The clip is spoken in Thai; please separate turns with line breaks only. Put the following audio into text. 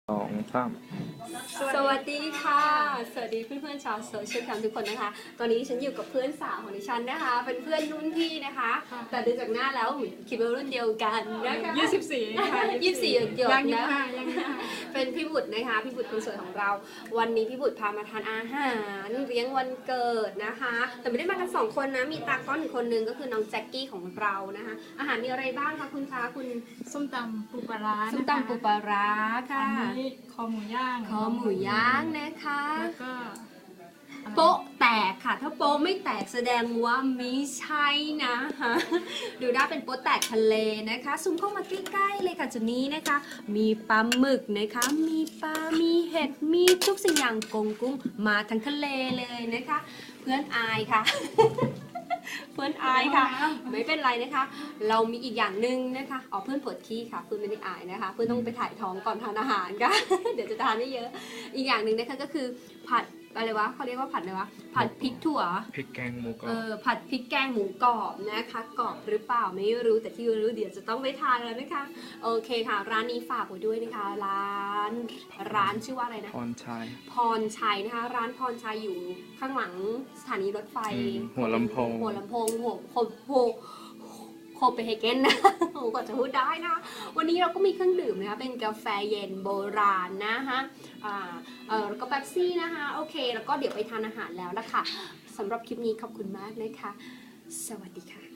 2 3
สวัสดีค่ะ สวัสดีเพื่อนๆชาวโซเชียลแคมทุกคนนะคะ ตอนนี้ฉันอยู่กับเพื่อนสาวของดิฉันนะคะ เป็นเพื่อนรุ่นพี่นะคะ แต่ดูจากหน้าแล้วคิดว่ารุ่นเดียวกันนะคะ
24ค่ะ
24หยด
ยัง
ๆนะ
25ยัง25
เป็นพี่บุตรนะคะ พี่บุตรคนสวยของเรา วันนี้พี่บุตรพามาทานอาหารเลี้ยงวันเกิดนะคะ แต่ไม่ได้มากัน2 คนนะ มีตากล้องอีกคนนึงก็คือน้องแจ็คกี้ของเรานะคะ อาหารมีอะไรบ้างคะคุณคะคุณ
ส้มตำปูปลาร้านะคะ
ส้มตำปูปลาร้าค่ะ
อันนี้คอหมูย่าง
คอหมูย่างนะคะ
แล้วก็อะไร
โป๊ะแตกค่ะ ถ้าโป๊ะไม่แตกแสดงว่าไม่ใช่นะคะดูได้เป็นโป๊ะแตกทะเลนะคะซูมเข้ามาใกล้ๆเลยค่ะจุดนี้นะคะ มีปลาหมึกนะคะ มีปลา มีเห็ด มีทุกสิ่งอย่างกงกุ้งมาทั้งทะเลเลยนะคะ เพื่อนอายค่ะ เพื่อนอายค่ะ ไม่เป็นไรนะคะ เรามีอีกอย่างหนึ่งนะคะเพื่อนปวดขี้ค่ะ เพื่อนไม่ได้อายนะคะ เพื่อนต้องไปถ่ายท้องก่อนทานอาหารค่ะ เดี๋ยวจะทานได้เยอะ อีกอย่างหนึ่งนะคะก็คือผัดอะไรวะเขาเรียกว่าผัดอะไรวะ ผัดพริกถั่ว
พริกแกงหมูกรอบ
ผัดพริกแกงหมูกรอบนะคะ กรอบหรือเปล่าไม่รู้ แต่ที่รู้เดี๋ยวจะต้องไปทานแล้วนะคะ โอเคค่ะ ร้านนี้ฝากไว้ด้วยนะคะ ร้านชื่อว่าอะไรนะ
พรชัย
พรชัยนะคะ ร้านพรชัยอยู่ข้างหลังสถานีรถไฟ
หัวลำโพง
หัวโคเปนเฮเกนนะ โอ้ก็จะพูดได้นะ วันนี้เราก็มีเครื่องดื่มนะคะ เป็นกาแฟเย็นโบราณนะคะแล้วก็เป๊ปซี่นะคะ โอเค แล้วก็เดี๋ยวไปทานอาหารแล้วละค่ะสำหรับคลิปนี้ขอบคุณมากนะคะ สวัสดีค่ะ